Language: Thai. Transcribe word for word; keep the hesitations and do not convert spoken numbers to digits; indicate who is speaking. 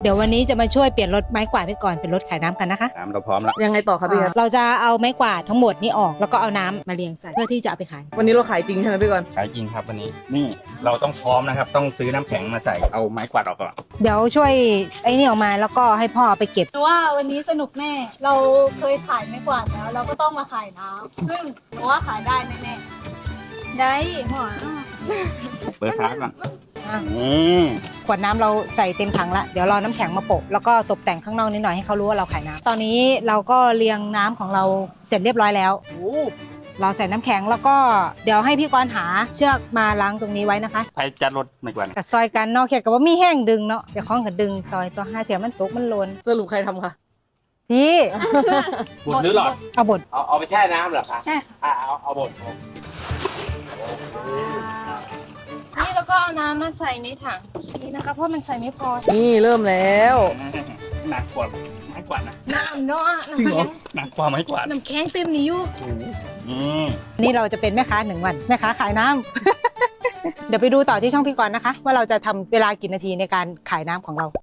Speaker 1: ดี๋ยววันนี้จะมาช่วยเปลี่ยนรถไม้กวาดไปก่อนเป็นรถขายน้ำกันนะคะ
Speaker 2: น้ำเราพร้อมแล้ว
Speaker 3: ยังไงต่อครับพี่ครับ
Speaker 1: เราจะเอาไม้กวาดทั้งหมดนี้ออกแล้วก็เอาน้ำมาเรียงใส่เพื่อที่จะเอาไปขาย
Speaker 3: วันนี้เราขายจริงใช่ไหมพี่กรณ์
Speaker 2: ขายจริงครับวันนี้นี่เราต้องพร้อมนะครับ ต้องซื้อน้ำแข็งมาใส่เอาไม้กวาดออกก่อน
Speaker 1: เดี๋ยวช่วยไอ้นี่ออกมาแล้วก็ให้พ่อเอาไปเก็บ
Speaker 4: หนูว่าวันนี้สนุกแน่ เราเคยขายไม่กวาดแล้ว เราก็ต้องมาขายน้ำซึ่งหนูว่าขายได้แน่ๆได้หัว
Speaker 2: เปิดท้ายก่อน
Speaker 1: อ่ะ
Speaker 2: อืม
Speaker 1: ขวดน้ำเราใส่เต็มถังละเดี๋ยวรอน้ำแข็งมาโปะแล้วก็ตกแต่งข้างนอกนิดหน่อยให้เขารู้ว่าเราขายน้ำตอนนี้เราก็เรียงน้ำของเราเสร็จเรียบร้อยแล้ว
Speaker 3: โอ้
Speaker 1: เราใส่น้ำแข็งแล้วก็เดี๋ยวให้พี่กรณ์หาเชือกมาล้างตรงนี้ไว้นะคะ
Speaker 2: ไปจัดรถไม้กวาด
Speaker 1: กับซอยกันเนาะเขียกับว่ามีแห้งดึงเนาะเดี๋ยวข้องกับดึงซอยตัวห้าเถียมันตกมันโลน
Speaker 3: สรุปใครทำคะ
Speaker 1: พี่
Speaker 2: บดหรือหลอด
Speaker 1: เอาบด
Speaker 5: เอาเอาไปแช่น้ำเหรอคะ
Speaker 4: ใช่
Speaker 5: อ่าเอาเอาบด
Speaker 4: นี่แล้วก็เอาน้ำมาใส่ในถังนี่นะคะเพราะมันใส่ไม่พอ
Speaker 3: นี่เริ่มแล้ว
Speaker 2: หนักกว่าไม้กวาดนะ
Speaker 4: น้ำเนาะ
Speaker 3: จริง
Speaker 4: น้ำ
Speaker 3: เหรอ
Speaker 4: แข็ง
Speaker 2: หนักกว่าไม้กวาด
Speaker 4: น้ำแข็งเต็มนี้อยู่
Speaker 2: นี่
Speaker 1: นี่เราจะเป็นแม่ค้าหนึ่งวันแม่ค้าขายน้ำ เดี๋ยวไปดูต่อที่ช่องพี่กรณ์นะคะ ว่าเราจะทำเวลากี่นาทีในการขายน้ำของเรา